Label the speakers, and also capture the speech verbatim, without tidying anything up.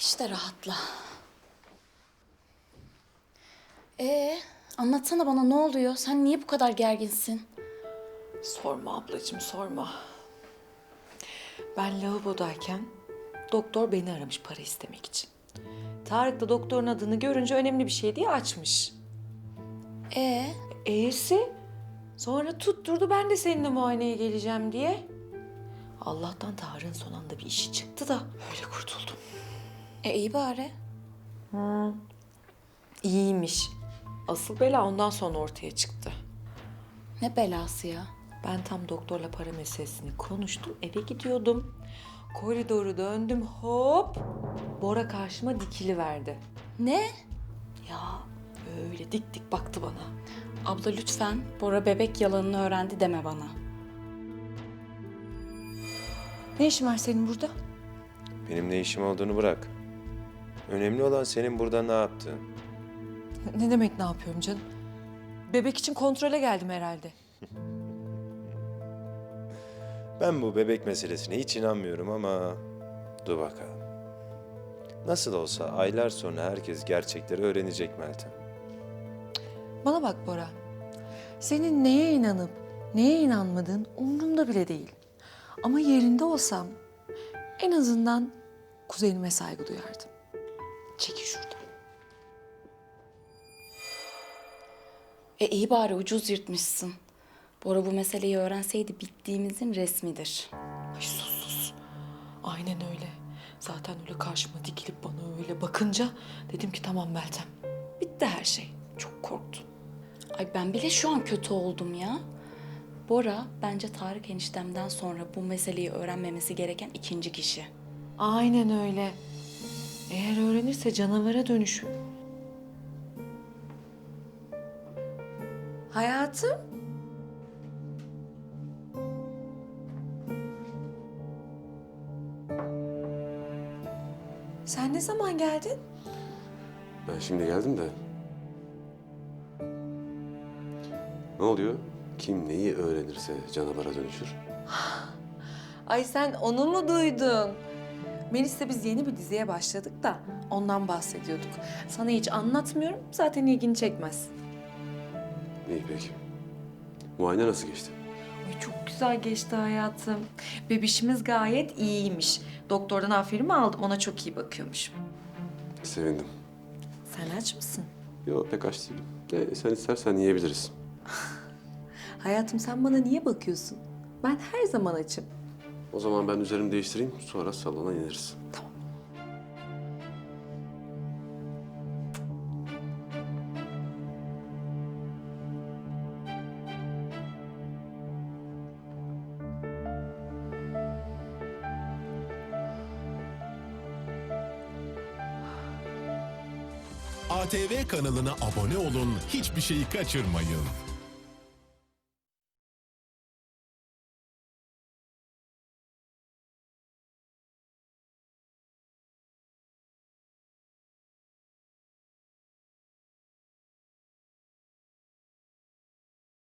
Speaker 1: İşte rahatla. Ee, anlatsana bana ne oluyor? Sen niye bu kadar gerginsin?
Speaker 2: Sorma ablacığım, sorma. Ben lavabodayken doktor beni aramış para istemek için. Tarık da doktorun adını görünce önemli bir şey diye açmış.
Speaker 1: Ee,
Speaker 2: E'si sonra tutturdu ben de seninle muayeneye geleceğim diye. Allah'tan Tarık'ın son anda bir işi çıktı da öyle kurtuldum.
Speaker 1: e iyi bari.
Speaker 2: İyiymiş. Asıl bela ondan sonra ortaya çıktı.
Speaker 1: Ne belası ya?
Speaker 2: Ben tam doktorla para meselesini konuştum, eve gidiyordum. Koridoru döndüm, hop! Bora karşıma dikili verdi.
Speaker 1: Ne?
Speaker 2: Ya öyle dik dik baktı bana.
Speaker 1: Abla lütfen Bora bebek yalanını öğrendi deme bana.
Speaker 2: Ne işin var senin burada?
Speaker 3: Benim ne işim olduğunu bırak. Önemli olan senin burada ne yaptığın.
Speaker 2: Ne demek ne yapıyorum canım? Bebek için kontrole geldim herhalde.
Speaker 3: Ben bu bebek meselesine hiç inanmıyorum ama dur bakalım. Nasıl olsa aylar sonra herkes gerçekleri öğrenecek Meltem.
Speaker 2: Bana bak Bora. Senin neye inanıp neye inanmadığın umurumda bile değil. Ama yerinde olsam en azından kuzenime saygı duyardım. Çekil şuradan.
Speaker 1: E iyi bari ucuz yırtmışsın. Bora bu meseleyi öğrenseydi bittiğimizin resmidir.
Speaker 2: Ay sus sus. Aynen öyle. Zaten öyle karşıma dikilip bana öyle bakınca dedim ki tamam Meltem. Bitti her şey. Çok korktum.
Speaker 1: Ay ben bile şu an kötü oldum ya. Bora bence Tarık eniştemden sonra bu meseleyi öğrenmemesi gereken ikinci kişi.
Speaker 2: Aynen öyle. Eğer öğrenirse canavara dönüşür. Hayatım. Sen ne zaman geldin?
Speaker 4: Ben şimdi geldim de. Ne oluyor? Kim neyi öğrenirse canavara dönüşür.
Speaker 2: Ay sen onu mu duydun? Melis'le biz yeni bir diziye başladık da ondan bahsediyorduk. Sana hiç anlatmıyorum, zaten ilgini çekmez.
Speaker 4: İyi peki. Muayene nasıl geçti?
Speaker 2: Ay çok güzel geçti hayatım. Bebişimiz gayet iyiymiş. Doktordan aferin aldım, ona çok iyi bakıyormuş.
Speaker 4: Sevindim.
Speaker 2: Sen aç mısın?
Speaker 4: Yok pek aç değilim. De, sen istersen yiyebiliriz.
Speaker 2: Hayatım sen bana niye bakıyorsun? Ben her zaman açım.
Speaker 4: O zaman ben üzerimi değiştireyim, sonra salona ineriz.
Speaker 2: Tamam.
Speaker 5: A T V kanalına abone olun, hiçbir şeyi kaçırmayın.